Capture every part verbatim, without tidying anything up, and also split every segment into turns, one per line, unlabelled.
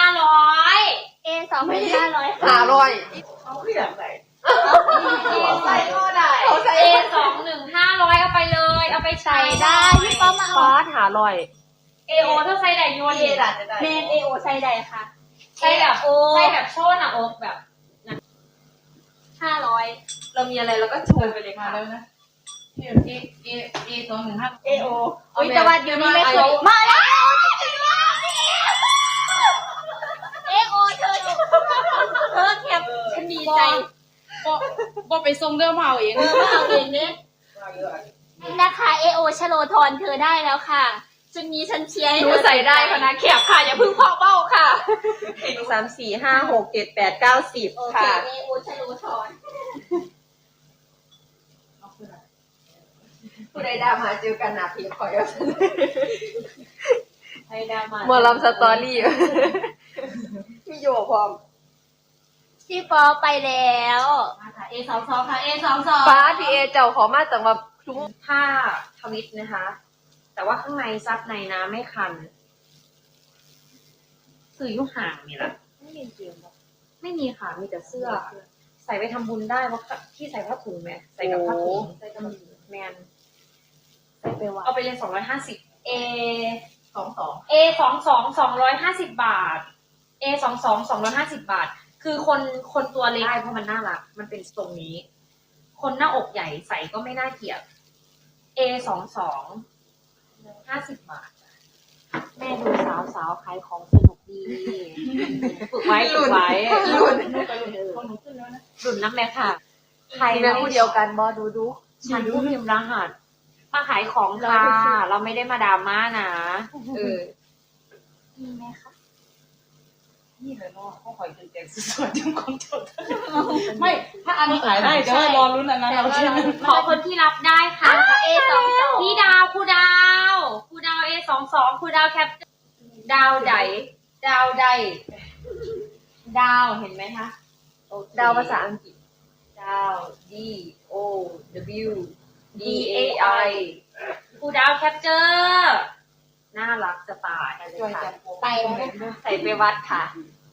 ร้อย
เอสองพันห้าร้อย
ห้าร้อย
เขาคืออย่างไร
ใส่ก็ได้เอสองหนึ่งห้าร้อยเอาไปเลยเอาไปใช้
ใส่ได้พี่ป้อมมาเอา
ฟาดหาร้อย
เอโอถ้าใส่ได้ยวน
เอดัดจะได้
เมนเอโอใส่ใดค่ะ
ใส่แบบใส่แบบโชว์หน้าอกแบบ
ห้าร้อย
เรามีอะไรเราก็โชว์ไปเลย
มา
ค่ะ
แล้วนะเอเอเอเอสองหนึ่งห้าเอโอ
อุ้ยแต่ว่าเดี๋ยวนี้ไม่เคยมาแล้วเอโอเธอเธอแคบฉันดีใจ
ก็ก็ไปส่งเรื่องมาเอาเอง
เออมาเอาเองเนี่ยนะคะเอโอชโลทอนเธอได้แล้วค่ะชุดนี้ฉันเชียร์ให้
ห
เธ
นู
อ
ใส่ได้ค่ะนะแคบค่ะอย่าเพิ่งเพาะเบ้าค่ะ
สามสี่ห้าหกเจ็ดแปดเก้าสิบ
โอเค
ค่ะ
เอโอชโลทอน
ผู้ใดดามาเจอกันนะพี่คอย
ไทยดามา
หมอลำสตอรี่พี่โยพร้อม
พี่ปอไปแล้ว
เอสองสองค่ะเอสองสอง
ฟ้าพีเอเจ้าขอมาจากว่าทุกผ้าทวิตนะคะ แต่ว่าข้างในซับในนะไม่คันสื่อยุห่างนี่แหละ
ไม่มีจริงหรอ
ไม่มีค่ะมีแต่เสื้อ ใส่ไปทำบุญได้เพราะที่ใส่ผ้าถุงไหมใส่กับผ้าถุงใส่กับแมนใส่ไปวัดเอาไปเลยสองร้อยห้าสิบ
เอ
สองสอง
เอสองสองสองร้อยห้าสิบบาทเอสองสองสองร้อยห้าสิบบาท คือคนคนตัวเล็ก
ได้เพราะมันน่ารักมันเป็นทรงนี้ คนหน้าอกใหญ่ใส่ก็ไม่น่าเกลียด
เอสองสองห้าสิบบาท
แม่ดูสาวสาวขายของสนุกดีฝึกไว้ฝึกไว้รุ่น
ของหนูขึ้นแล้วนะ
รุ่นน้ำแม่ค่ะ
ใครนะผู้เดียวกันบอดูดู
ฉันผู้พิมพ์รหัสมาขายของค่ะ เราไม่ได้มาดราม่านะเออ
มีไหมคะ
นี่เลยเนาะเขาคอยจนแจกสุดๆจนคนจดไม่ถ้าอันนี้ขายได้เดี๋ยวรอลุ้นอันนั้นเราใช่ไหม
ขอคนที่รับได้ค่ะ
เอสองสอง
พี่ดาวครูดาวครูดาวเอสองสองครูดาวแคปดาวใดดาวใดดาวเห็นไหมคะโอเค
ดาวภาษาอังกฤษ
ดาว
D O W D A I
ครูดาวแคปเจอร์
น่ารักจะตายเลย
จอย
ค่ะ
จะ
ไปแล้ว
ใส่ไปวัดค่ะ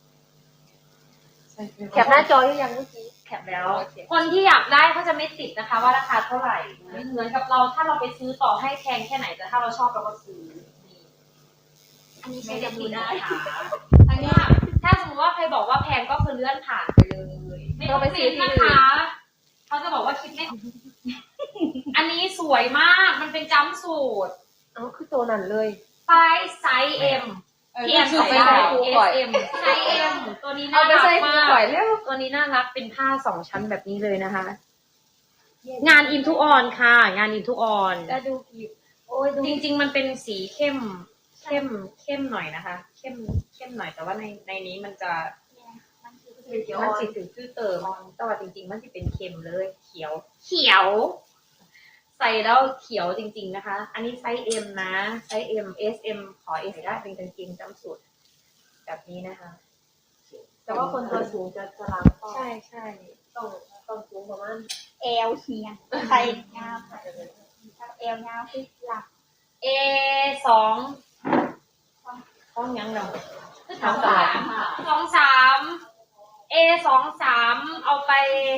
แคปหน้าจอหรือยังเมื่อกี้
แคปแล้ว คนที่อยากได้เขาจะไม่ติดนะคะ ว่าราคาเท่าไหร่เหมือนกับเราถ้าเราไปซื้อต่อให้แพงแค่ไหนแต่ถ้าเราชอบเราก็ซื้อนี่
อันนี้
ไม่
ใช้
ได้
จะ
ติ
ดู
ด
ได้
นะคะอันนี้ถ้าสมมติว่าใครบอกว่าแพงก็คือเลื่อนผ่านไปเลยไม่ต้องไปซื้อนะคะเขาจะบอกว่าคิดไม่ อันนี้สวยมากมันเป็นจัมป์สูท
เอ้าคือตัวนั้นเลย
ไซส์ไซส์ M พี่แอน
คือ
ใส่
ไป
ได้
ได้
เอส เอ็ม ไซส์ M ตัวนี้น่า
เอาไป
รัก
ใส่
มา
คู่ก่อย
ก
แล้วตัวนี้น่ารักเป็นผ้าสองชั้นแบบนี้เลยนะคะ งานอินทุออนค่ะ งานอินทุออน
ก็ดูผิวโอ้ยดู
จริงๆมันเป็นสีเข้ม เข้มเข้มหน่อยนะคะ เข้มเข้มหน่อยแต่ว่าในในนี้มันจะ
มันคือ
มันสีถึงชื่อเติมแต่ว่าจริงๆมันจะเป็นเค็มเลย เขียว เขียว ใส่แล้วเขียวจริงๆนะคะ อันนี้ไซส์ M นะ ไซส์ M S M ขอ S ได้เป็นกางเกงจำสูตรแบบนี้นะคะ
แต่ว่าคนตัวสูงจะจะล้างก็
ใช่ใช่
ต้องต้องสูงประมาณ
เอลเฮียใส่งามเอลงามคือหลัก
A สองต้องยังเนาะสองสามสองสาม A สองสามเอาไป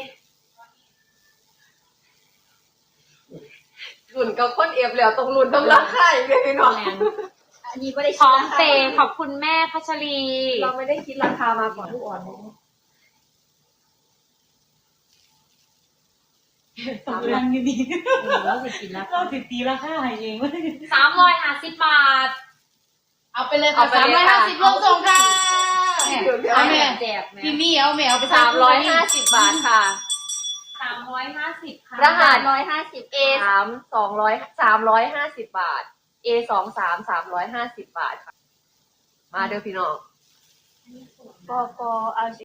รุ่นกับคนเอฟแล้วตรงรุ่นต้องราคาอีกเลยเนาะ
อันนี้ก็ได้
พร้อมเปย์ขอบคุณแม่พัชรี
เราไม่ได้คิดราคามาก่อนทุกออนเลย
ตกลังอยู่ดี
เราสิกินแล้ว
เราติดตีราคาให้เองเว้ย
สามร้อยห้าสิบบาท
เอาไปเลยค่ะสามร้อยห้าสิบลงส่งค่ะเอาแม่
แจกแม่
พี่นี่เอาแม่เอาไป
สามร้อยห้าสิบบาทค่ะ
สามร้อยห้าสิบค่ะ
รหัส
ร้อยห้าสิบ
A สามสองร้อยสามร้อยห้าสิบบาท A สองสามสามร้อยห้าสิบบาทค่ะ มาเด้อพี่น้อง
ปอปอเอา